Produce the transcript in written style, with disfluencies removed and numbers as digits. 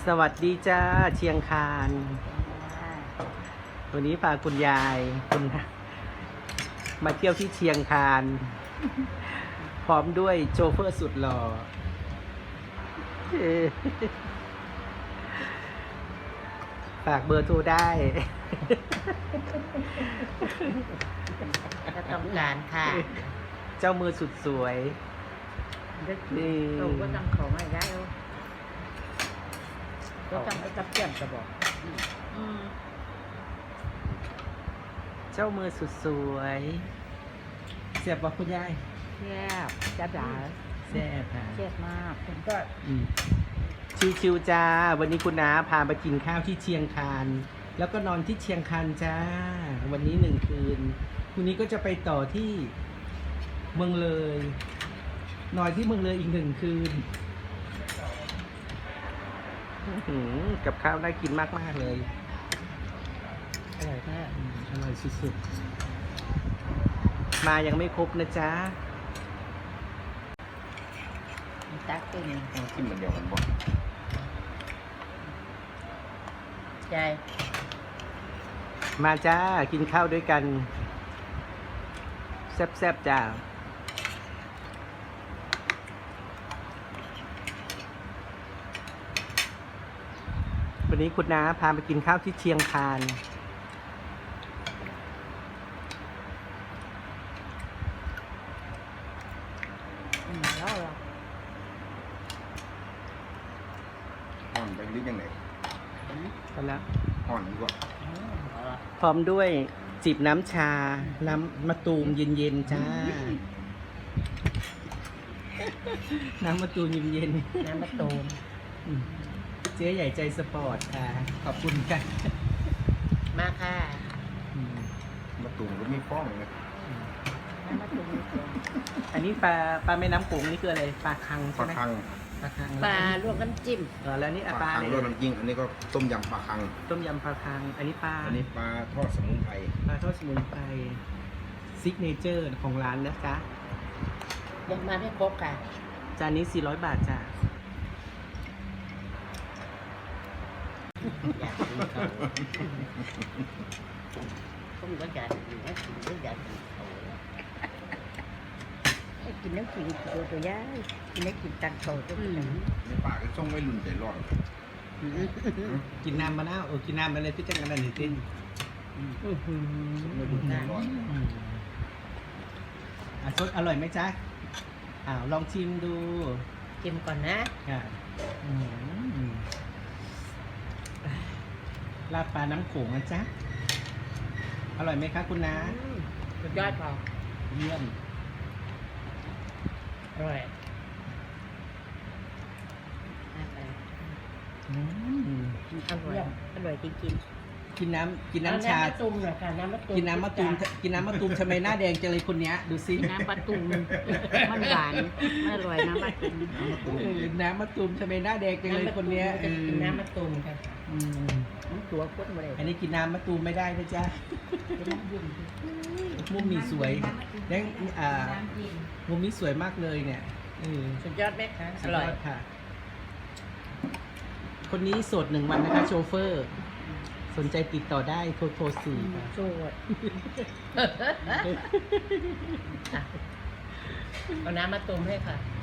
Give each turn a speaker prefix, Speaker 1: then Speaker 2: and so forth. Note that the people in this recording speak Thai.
Speaker 1: สวัสดีจ้าเชียงคานวันนี้พาคุณยายมาเที่ยวที่เชียงคานพร้อมด้วยโชเฟอร์สุดหล่อฝากเบอร์โทรได้
Speaker 2: ถ้าต้องการค่ะ
Speaker 1: เจ้ามือสุดสวยนี่
Speaker 2: เราก็ต้องของอะไรได้ก็ต้องไปกับเพื่อนจะบอก
Speaker 1: เจ้ามือสุดสวยเสียบบอกคุณยาย
Speaker 2: แซ่บจ้าจ๋า
Speaker 1: แซ่บค่ะ
Speaker 2: แซ่บมากผมก็
Speaker 1: ชิวๆจ้าวันนี้คุณน้าพาไปกินข้าวที่เชียงคานแล้วก็นอนที่เชียงคานจ้าวันนี้1 คืนพรุ่งนี้ก็จะไปต่อที่เมืองเลยนอนที่เมืองเลยอีก1 คืนกับข้าวน่ากินมากๆเลย
Speaker 2: อร่อยมาก
Speaker 1: อร่อยสุดๆมายังไม่ครบนะจ๊ะ
Speaker 2: ตักเป็น
Speaker 3: ต้องกินเหมือนเดียวกันบ่
Speaker 2: ใจ
Speaker 1: มาจ้ากินข้าวด้วยกันแซ่บๆจ้าวันนี้คุณน้าพาไปกินข้าวที่เชียงคาน
Speaker 2: แล้วเหรอ
Speaker 3: ห่อนไปหรือยังไง
Speaker 1: กันแล้ว
Speaker 3: ห่อนดีกว่า
Speaker 1: พร้อมด้วยจิบน้ำชา น้ำมะตูมเย็นๆจ้า น้ำมะตูมเย็น
Speaker 2: น้ำมะตูม
Speaker 1: ๆเจ๊ใหญ่ใจสปอร์ตค่ะขอบคุณค่ะ
Speaker 2: มาค่ะ
Speaker 3: มะตูมก็มีฟ้องเลย
Speaker 2: น้ำมะตูม
Speaker 1: อันนี้ปลาแม่น้ำโขงนี่คืออะไรปลาคัง
Speaker 3: ป
Speaker 1: ใช่
Speaker 3: ลา
Speaker 1: ไหม
Speaker 3: คัง
Speaker 1: ปลาคัง
Speaker 2: ปลาลวกน้ำจิ้ม
Speaker 1: แล้วนี่
Speaker 3: ป
Speaker 1: ป
Speaker 3: ลา
Speaker 1: ลา
Speaker 3: คัง
Speaker 1: อะไร
Speaker 3: รสน้ำจิ้มอันนี้ก็ต้มยำปลาคัง
Speaker 1: ต้มยำปลาคังอันนี้ปลา
Speaker 3: อันนี้ปลาทอดสมุนไพร
Speaker 1: ปลาทอดสมุนไพรซิกเนเจอร์ของร้านนะจ๊ะ
Speaker 2: ยังมาไม่ครบค่ะ
Speaker 1: จานนี้400 บาทจ้ะ
Speaker 2: อยากกินเขาผมก็อยากกินนะกินก็อยากกินเขากินน้ำกินตัวย่ายกินน้ำกินตังโตตัวนี้
Speaker 3: ในปากก็ส่งไว้รุ่นใจร้อน
Speaker 1: กินน้ำมะนาวกินน้ำอะไรที่จังกันนั่นนี่ติ้น
Speaker 3: ส่งไว้รุ่นใจร้อน
Speaker 1: สดอร่อยไหมจ๊ะลองชิมดู
Speaker 2: ชิมก่อนนะ
Speaker 1: ค่ะลาบปลาน้ำโขงนะจ๊ะอร่อยไหมคะคุณน้า
Speaker 2: สุดยอดพอ
Speaker 1: เยี่ยม
Speaker 2: อร่อย อร่อยอร่อยจริงๆ
Speaker 1: กินน้ำชา
Speaker 2: น้ำมะตูมหน่อยค่ะน้ำมะตูม
Speaker 1: กินน้ำมะตูมทำไมหน้าแดงจังเลยคนเนี้ยดูซิ
Speaker 2: น้ำมะตูมมันหวานอร่อยน้ำมะตูม
Speaker 1: น้ำมะตูมทำไมหน้าแดงจังเลยคนเนี้ย
Speaker 2: กินน้ำมะตูมค่ะ
Speaker 1: ม
Speaker 2: ตัวข้นเลย
Speaker 1: อันนี้กินน้ำมะตูมไม่ได้นะจ๊ะมุมนี้สวยแล้วมุมนี้สวยมากเลยเนี่ย
Speaker 2: สุดยอดไหมคะ
Speaker 1: สุดยอดค่ะ คนนี้โสด1 วันนะคะโชเฟอร์ สนใจติดต่อได้โทร4ค่ะ
Speaker 2: โสดเอาน้ำมะตูมให้ค่ะ